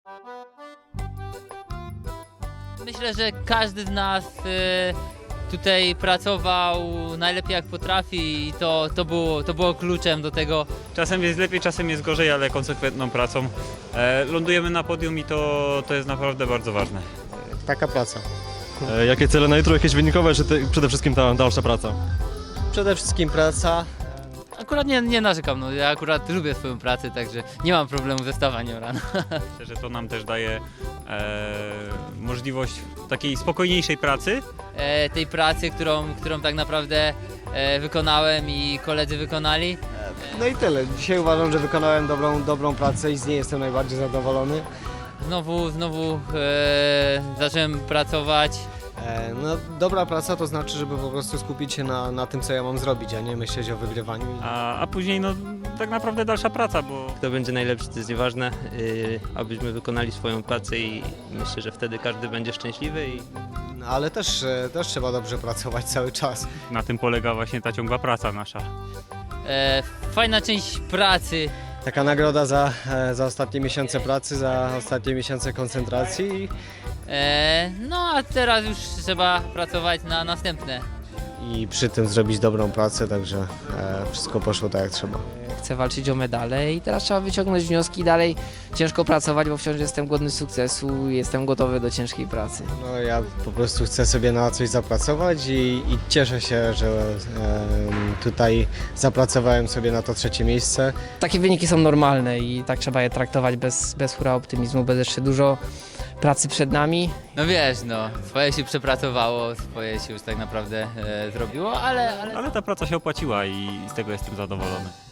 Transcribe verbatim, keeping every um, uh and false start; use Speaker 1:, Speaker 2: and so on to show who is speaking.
Speaker 1: Myślę, że każdy z nas y, tutaj pracował najlepiej jak potrafi i to, to, było, to było kluczem do tego.
Speaker 2: Czasem jest lepiej, czasem jest gorzej, ale konsekwentną pracą e, lądujemy na podium i to, to jest naprawdę bardzo ważne.
Speaker 3: Taka praca.
Speaker 4: E, Jakie cele na jutro, jakieś wynikowe, czy te, przede wszystkim ta dalsza praca?
Speaker 3: Przede wszystkim praca.
Speaker 1: Akurat nie, nie narzekam, no, ja akurat lubię swoją pracę, także nie mam problemu ze stawaniem rano.
Speaker 2: Myślę, że to nam też daje e, możliwość takiej spokojniejszej pracy.
Speaker 1: E, tej pracy, którą, którą tak naprawdę e, wykonałem i koledzy wykonali.
Speaker 3: No i tyle. Dzisiaj uważam, że wykonałem dobrą, dobrą pracę i z niej jestem najbardziej zadowolony.
Speaker 1: Znowu, znowu e, zacząłem pracować.
Speaker 3: E, no, dobra praca to znaczy, żeby po prostu skupić się na, na tym, co ja mam zrobić, a nie myśleć o wygrywaniu.
Speaker 2: A, a później no tak naprawdę dalsza praca, bo
Speaker 5: Kto będzie najlepszy, to jest nieważne, yy, abyśmy wykonali swoją pracę i myślę, że wtedy każdy będzie szczęśliwy i
Speaker 3: No, ale też, e, też trzeba dobrze pracować cały czas.
Speaker 2: na tym polega właśnie ta ciągła praca nasza.
Speaker 1: E, fajna część pracy.
Speaker 3: Taka nagroda za, e, za ostatnie miesiące pracy, za ostatnie miesiące koncentracji.
Speaker 1: E, no a teraz już trzeba pracować na następne.
Speaker 3: I przy tym zrobić dobrą pracę, także e, wszystko poszło tak jak trzeba.
Speaker 6: Chcę walczyć o medale i teraz trzeba wyciągnąć wnioski i dalej ciężko pracować, bo wciąż jestem głodny sukcesu i jestem gotowy do ciężkiej pracy.
Speaker 3: No, ja po prostu chcę sobie na coś zapracować i, i cieszę się, że e, tutaj zapracowałem sobie na to trzecie miejsce.
Speaker 6: Takie wyniki są normalne i tak trzeba je traktować bez, bez hura optymizmu, bez jeszcze dużo pracy przed nami.
Speaker 1: No wiesz, no, swoje się przepracowało, swoje się już tak naprawdę e, zrobiło, ale, ale
Speaker 2: Ale ta praca się opłaciła i z tego jestem zadowolony.